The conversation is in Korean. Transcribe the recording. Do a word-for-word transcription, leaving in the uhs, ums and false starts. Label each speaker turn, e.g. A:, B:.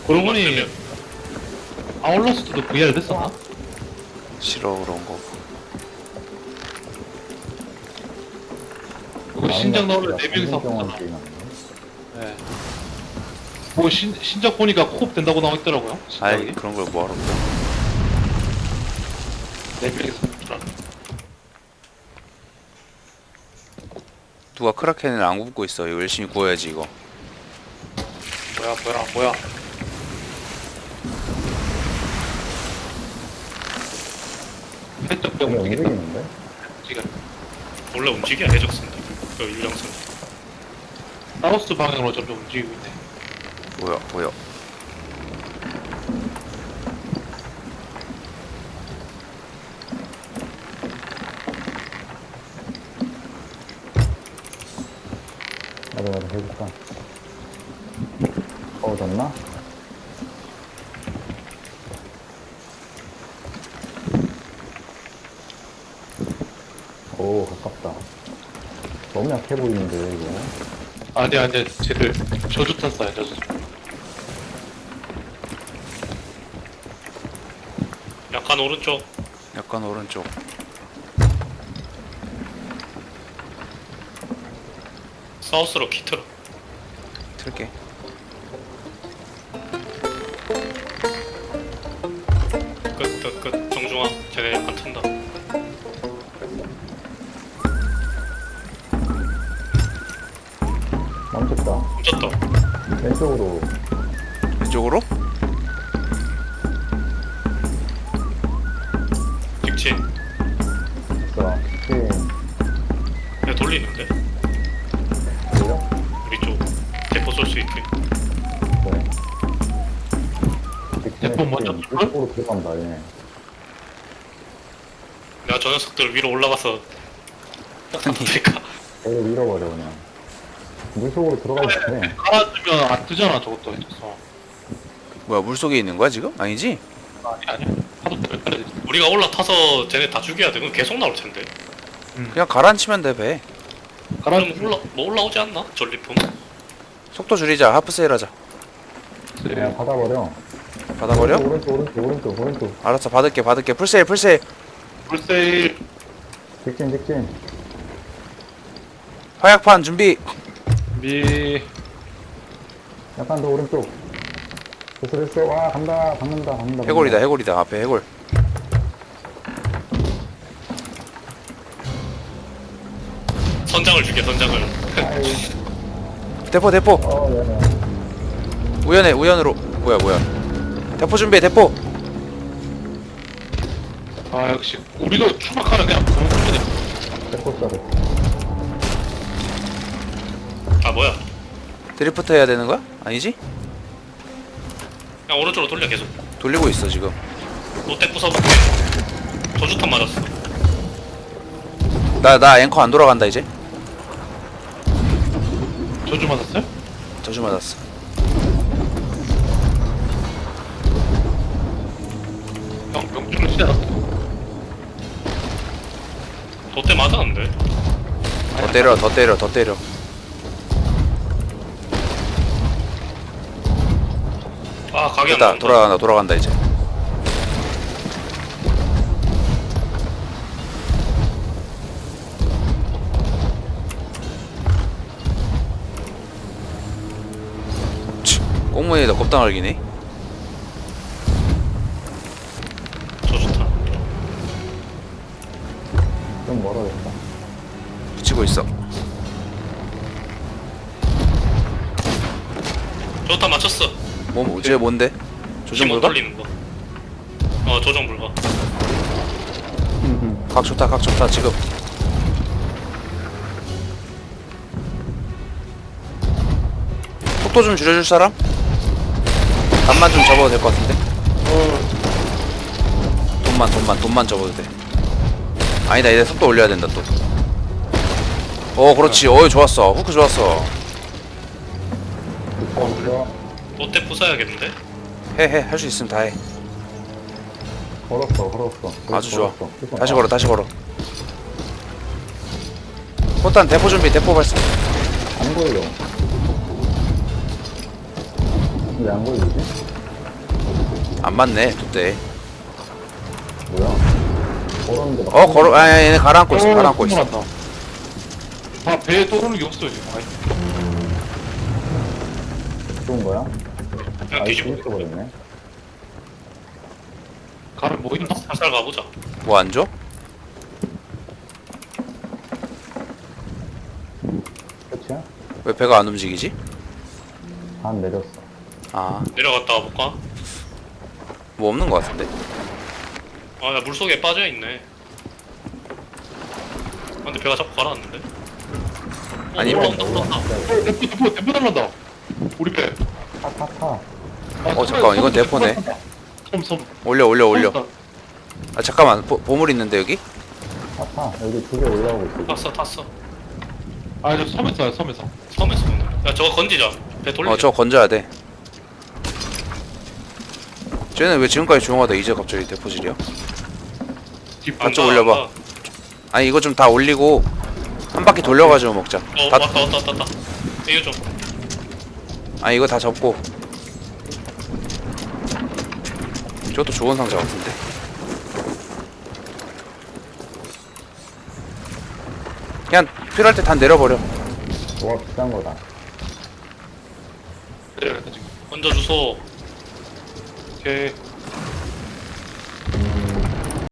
A: 그러고 보니 아울러스트도 브이알 됐었나?
B: 싫어 그런 거.
A: 그거 신작 나오면 네 명이서
C: 동안
A: 하잖아.
C: 게임하는
A: 네. 뭐 신, 신작 보니까 코업 된다고 나와 있더라고요.
B: 아이
A: 신작이.
B: 그런 걸 뭐하러.
A: 네 명이서 하더라.
B: 누가 크라켄을 안 굽고 있어. 이거 열심히 구워야지 이거.
A: 뭐야 뭐야 뭐야. 해적병
C: 게
A: 움직인다.
C: 움직이는데?
A: 지금
D: 원래 움직여 해적선들 그 유령선.
A: 사우스 방향으로 점점 움직이고 있네.
B: 뭐야 뭐야.
C: 나도 나도 해볼까? 어, 졌나? 오, 가깝다. 너무 약해 보이는데, 이거.
A: 아니 아니 쟤들 저주탄 쏴요 저주.
D: 약간 오른쪽.
B: 약간 오른쪽.
D: 사우스로 키트로.
B: 틀게.
D: 끝 끝 끝. 정중앙. 쟤네 약간 튼다.
C: 멈췄다.
D: 훔쳤다.
C: 왼쪽으로.
B: 왼쪽으로?
D: 직진.
C: 자, 스킨.
D: 야 돌리는데?
C: 그래요?
D: 우리 쪽. 대포 쏠 수 있게.
C: 네.
A: 대포 먼저 쏠걸?
C: 이쪽으로 들어간다, 얘네.
D: 내가 저 녀석들 위로 올라가서 딱딱하니까.
C: 얘를 밀어버려, 그냥. 물속으로 들어가고 싶네.
A: 깔아주면 안 뜨잖아 저것도 해줘서.
B: 뭐야 물속에 있는 거야 지금? 아니지?
A: 아니 아니 하도 잘 깔아야 돼.
D: 우리가 올라타서 쟤네 다 죽여야 돼. 그럼 계속 나올 텐데.
B: 그냥 가라앉히면 돼 배.
D: 그럼
A: 깔아주면
D: 올라 뭐 올라오지 않나? 전리품.
B: 속도 줄이자. 하프 세일 하자.
C: 그냥 받아버려.
B: 받아버려?
C: 오른쪽, 오른쪽, 오른쪽, 오른쪽.
B: 알았어 받을게 받을게. 풀세일 풀세일.
A: 불세일.
C: 직진, 직진.
B: 화약판 준비.
A: 미.
C: 약간 더 오른쪽. 됐어, 됐어. 와, 간다, 박는다, 박는다.
B: 해골이다 해골이다. 앞에 해골.
D: 선장을 죽여 선장을.
C: 아이,
B: 대포 대포.
C: 어, 네네.
B: 우연해 우연으로. 뭐야 뭐야. 대포 준비해 대포.
A: 아 역시 우리도 추락하는 그냥 공중에
C: 대포 쏴,
D: 아 뭐야?
B: 드리프트 해야 되는 거야? 아니지?
D: 그냥 오른쪽으로 돌려 계속.
B: 돌리고 있어 지금.
D: 롯데 부숴볼게. 저주탄 맞았어.
B: 나 나 앵커 안 돌아간다 이제.
A: 저주 맞았어요?
B: 저주 맞았어.
A: 형 명중을 치지 않았어.
D: 롯데 맞았는데.
B: 더 때려 더 때려 더 때려.
D: 아 각이 안
B: 됐다
D: 나온다.
B: 돌아간다 돌아간다 이제. 치, 꽁무니에다 껍당 알기네.
D: 저주탄.
C: 좀 멀어졌다.
B: 붙이고 있어.
D: 저주탄 맞췄어.
B: 뭐 뭐지 뭔데? 조정
D: 힘못
B: 불가?
D: 돌리는 거. 어 조정 불가.
B: 각 좋다 각 좋다 지금. 속도 좀 줄여줄 사람? 단만 좀 접어도 될 것 같은데? 돈만 돈만 돈만 접어도 돼. 아니다 이제 속도 올려야 된다 또. 어 그렇지. 어이 좋았어. 후크 좋았어.
C: 걸었어.
D: 롯데 부숴야겠는데?
B: 해 해 할 수 있으면 다 해.
C: 걸었어, 걸었어.
B: 아주 좋아.
C: 걸었어.
B: 다시 걸어 다시 걸어. 포탄 대포 준비 대포 발사.
C: 안 걸려. 왜 안 걸리지?
B: 안 맞네 돛대.
C: 뭐야? 걸었는데 막.
B: 어 걸어 아 얘네 가라앉고 있어 가라앉고 있어.
A: 다 배에 떠오르는 게 없어 이제. 아이,
C: 좋은 거야?
D: 그냥
C: 아이,
D: 뒤집어.
C: 뒤집어버렸네.
A: 가를 뭐 있나?
D: 살살 가보자.
B: 뭐 안 줘?
C: 끝이야?
B: 왜 배가 안 움직이지?
C: 반 내렸어.
B: 아
D: 내려갔다 와볼까?
B: 뭐 없는 것 같은데.
D: 아, 야, 물속에 빠져있네. 아, 근데 배가 자꾸 가라앉는데? 어,
B: 아니면-
D: 올라온다, 올라온다.
A: 어, 대포 대포 대포 날란다. 우리 배.
C: 타, 타, 타.
A: 아,
B: 어, 잠깐만, 이건 대포네.
A: 섬 섬.
B: 올려 올려 올려.
A: 섬.
B: 아 잠깐만 보, 보물 있는데 여기?
C: 타, 타. 여기 두 개 올라오고 있어.
D: 탔어, 탔어.
A: 아, 저 섬에서 섬에서.
D: 섬에서 오늘. 야, 저거 건지자. 배 돌리자.
B: 어 저거 건져야 돼. 쟤는 왜 지금까지 조용하다 이제 갑자기 대포질이야?
A: 뒷
D: 안
B: 좀
D: 가,
B: 올려봐.
D: 안 가.
B: 아니 이거 좀 다 올리고 한 바퀴 돌려가지고 먹자.
D: 어,
B: 다,
D: 왔다, 왔다, 왔다, 왔다. 이거 좀.
B: 아니 이거 다 접고. 저것도 좋은 상자 같은데. 그냥 필요할 때 다 내려버려.
C: 뭐가 비싼 거다.
A: 내려갔다 지금.
D: 얹어주소.
A: 오케이.